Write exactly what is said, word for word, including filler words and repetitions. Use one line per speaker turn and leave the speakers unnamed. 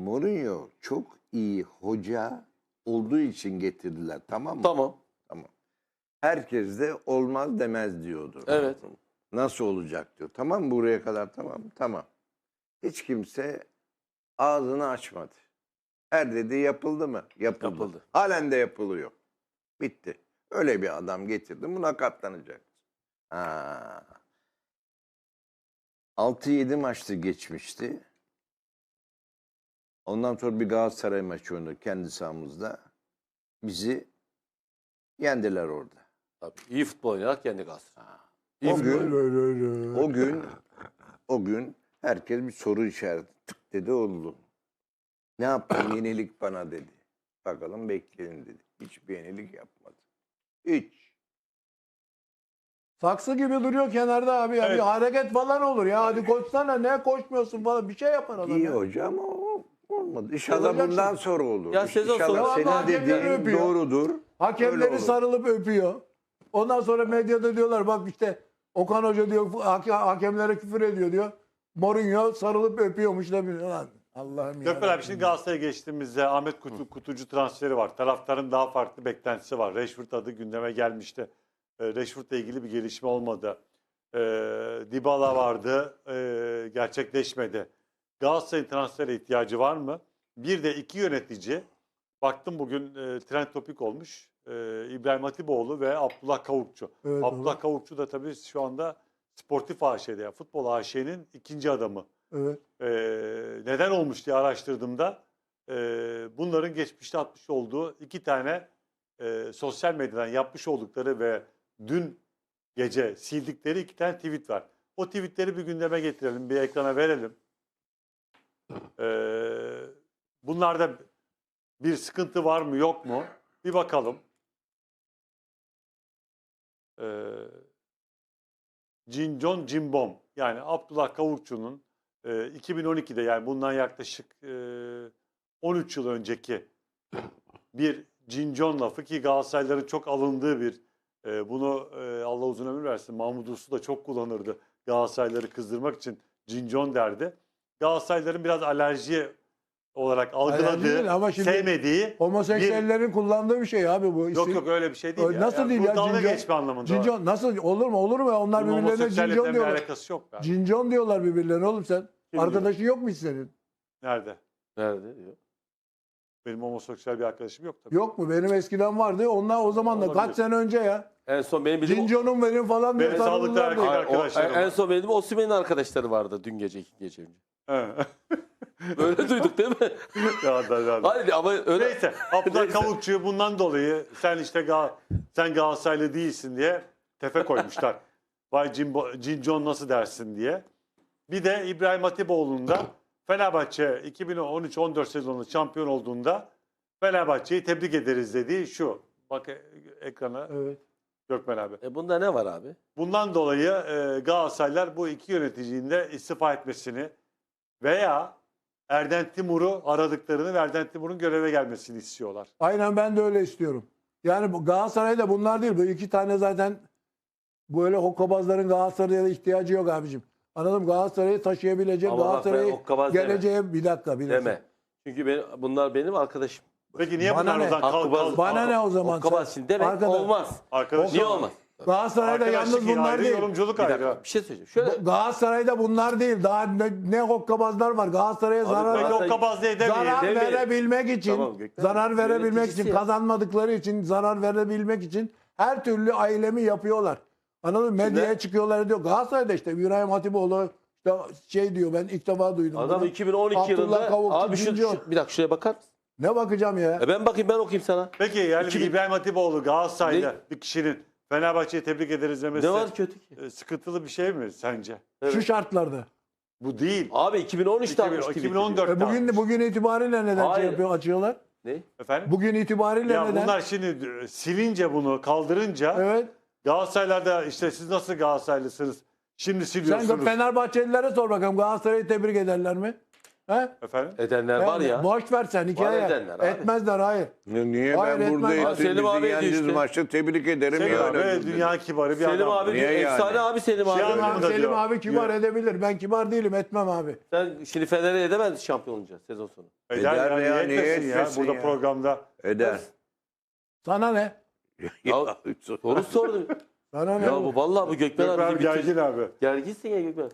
Mourinho çok iyi hoca olduğu için getirdiler, tamam mı?
Tamam.
Tamam. Herkes de olmaz demez diyordu.
Evet.
Nasıl olacak diyor. Tamam mı, buraya kadar tamam mı? Tamam. Hiç kimse ağzını açmadı. Her dedi yapıldı mı? Yapıldı.
Yapıldı.
Halen de yapılıyor. Bitti. Öyle bir adam getirdim. Buna katlanacak. Ha. altı yedi maçtı geçmişti. Ondan sonra bir Galatasaray maçı oynadı kendi sahamızda. Bizi yendiler orada.
Tabii. İyi futbol oynayarak yendi Galatasaray.
O
futbol.
gün, o gün, o gün herkes bir soru işareti tık dedi oldu. Ne yaptın? Yenilik bana dedi. Bakalım bekleyin dedi. Hiçbir yenilik yapmadı. Hiç.
Saksı gibi duruyor kenarda abi. Ya.
Evet.
Bir hareket falan olur ya. Hadi koşsana, ne koşmuyorsun falan. Bir şey yapar adam.
İyi
ya.
hoca ama o olmadı. İnşallah
Olacaksın.
bundan sonra olur.
Ya sezon
İnşallah
sonu-
senin
Ama hakemleri
dediğin
öpüyor.
doğrudur. Öyle
Hakemleri
olur.
sarılıp öpüyor. Ondan sonra medyada diyorlar bak işte Okan Hoca diyor hake- hakemlere küfür ediyor diyor. Mourinho sarılıp öpüyormuş da biliyor lan. Allah'ım ya.
Gökmen abi şimdi Galatasaray'a geçtiğimizde Ahmet Kutu, Kutucu transferi var. Taraftarın daha farklı beklentisi var. Rashford adı gündeme gelmişti. E, Rashford'la ilgili bir gelişme olmadı. E, Dybala vardı. E, gerçekleşmedi. Galatasaray'ın transfere ihtiyacı var mı? Bir de iki yönetici. Baktım bugün e, trend topik olmuş. E, İbrahim Hatipoğlu ve Abdullah Kavukçu.
Evet,
Abdullah
evet.
Kavukçu da tabii şu anda Sportif A Ş'de, yani futbol A Ş'nin ikinci adamı.
Evet.
Ee, neden olmuş diye araştırdığımda e, bunların geçmişte atmış olduğu iki tane e, sosyal medyadan yapmış oldukları ve dün gece sildikleri iki tane tweet var. O tweetleri bir gündeme getirelim, bir ekrana verelim. Ee, bunlarda bir sıkıntı var mı yok mu? Bir bakalım. Ee, Cincon Cimbom, yani Abdullah Kavukçu'nun e, iki bin on ikide, yani bundan yaklaşık e, on üç yıl önceki bir cincon lafı ki Galatasaraylıların çok alındığı bir e, bunu e, Allah uzun ömür versin, Mahmut Uslu da çok kullanırdı Galatasaraylıları kızdırmak için, cincon derdi. Galatasaraylıların biraz alerji olarak algıladığı,
değil ama şimdi
sevmediği
Homoseksüellerin kullandığı bir şey abi bu.
Yok yok öyle bir şey değil
Ö-
ya.
nasıl
Yani
değil
bu
ya,
dalga
cincon-
geçme anlamında.
Cincon nasıl olur mu olur mu? Onlar
Bunun
birbirlerine
homoseksüellikle
cincon
bir
diyorlar.
alakası yok. Yani.
Cincon diyorlar birbirlerine oğlum sen.
Kim
Arkadaşın yok mu hiç senin?
Nerede?
Nerede? Yok.
Benim homoseksüel bir arkadaşım yok tabii.
Yok mu? Benim eskiden vardı. Onlar o zaman da
Olabilir.
kaç sene önce ya.
En son benim bildiğim...
Cinconum benim falan diye
Benim sağlıklı
sarıldılar diye.
erkek
Ay, o-
arkadaşlarım
en
var.
son benim Osimhen'in arkadaşları vardı dün gece, iki gece önce.
Evet.
Öyle duyduk değil mi?
ya da, ya da.
Hayır ama öyle...
Neyse, Abdullah
Neyse.
Kavukçu'yu bundan dolayı sen işte Gal sen Galatasaraylı değilsin diye tefe koymuşlar. Vay Cimbo, Cincon nasıl dersin diye. Bir de İbrahim Hatipoğlu'nun da Fenerbahçe iki bin on üç on dört sezonunda şampiyon olduğunda Fenerbahçe'yi tebrik ederiz dediği şu. Bak e- ekrana
Evet.
Gökmen abi.
E bunda ne var abi?
Bundan dolayı e, Galatasaraylılar bu iki yöneticinin de istifa etmesini veya Erden Timur'u aradıklarını ve Erden Timur'un göreve gelmesini istiyorlar.
Aynen ben de öyle istiyorum. Yani bu Galatasaray'da bunlar değil. Bu iki tane zaten böyle hokkabazların Galatasaray'a ihtiyacı yok abicim. Anladım, Galatasaray'ı taşıyabilecek,
Ama bak ben
Galatasaray'ı
hokkabaz deme.
geleceğe bir dakika bir dakika.
Deme. Çünkü benim, bunlar benim arkadaşım.
Peki niye
Bana
bunlar
ne?
o zaman kal,
Hakkı
kal,
Bana ne o zaman?
Hokkabaz
sen?
şimdi demek
Arkadaş-
olmaz.
Arkadaş,
Niye olmaz?
Galatasaray'da yalnız
Arkadaşlık
bunlar
ayrı,
değil.
yorumculuk
Bir
ayrı.
dakika bir şey söyleyeceğim. Şöyle
Galatasaray'da bunlar değil. Daha ne, ne hokkabazlar var. Galatasaray'a zarar,
Peki
Galatasaray-
hokkabaz diye demeyin.
zarar
demeyin.
verebilmek için,
Tamam, Gökmen.
zarar verebilmek
Yöneticisi
için,
ya.
kazanmadıkları için zarar verebilmek için her türlü ailemi yapıyorlar. Anladın mı? Medyaya
Şimdi-
çıkıyorlar diyor. Galatasaray'da işte İbrahim Hatipoğlu işte şey diyor, ben ilk defa duydum.
adam
bunu.
iki bin on iki
Abdullah
yılında
Kavukçu,
abi şu,
Cincon.
şu- bir dakika şuraya bakar mısın?
Ne bakacağım ya?
E ben bakayım, ben okuyayım sana.
Peki yani
iki bin
İbrahim Hatipoğlu Galatasaray'da
Ne?
bir kişinin Fenerbahçe'yi tebrik ederiz demesi
Ne var kötü ki?
e, sıkıntılı bir şey mi sence?
Evet.
Şu şartlarda.
Bu değil.
Abi iki bin on üçte
iki bin-
atmış
iki bin on dört.
E bugün bugün itibariyle neden şey
Hayır.
yapıyor, açıyorlar?
Ne?
Efendim?
Bugün itibariyle
Ya
neden?
bunlar şimdi e, silince bunu kaldırınca
Evet.
Galatasaraylılar işte siz nasıl Galatasaraylısınız? Şimdi
Sen
siliyorsunuz.
Fenerbahçelilere sor bakalım, Galatasaray'ı tebrik ederler mi? He?
Efendim?
Edenler var
Yani
ya.
Boş ver sen hikaye.
edenler abi.
Etmezler hayır.
Niye
Hayır,
ben burada
etmez.
ettim?
Selim
Bizi
abi
yendiğiniz
düştü.
maçta tebrik ederim.
Selim
ya
abi
öyle
evet,
dedi.
dünya kibarı bir
Selim
adam.
abi
Niye yani?
efsane abi Selim
Şey
abi.
anlamında
Tamam, Selim
diyor.
abi kibar
Yürü.
edebilir. Ben kibar değilim etmem abi.
Sen şimdi Fener'e edemez şampiyon olacağız sezon sonu.
Eder,
Eder
ya,
ya,
niye
niye
etmesin ya?
etmesin
Burada
ya?
programda.
Eder.
Sana ne?
Ya, Soru sordum.
Sana ne?
Ya bu vallahi bu Gökmen
Gökmen
abi
abi
bizi bitir-
gergin abi.
Gerginsin ya Gökmen.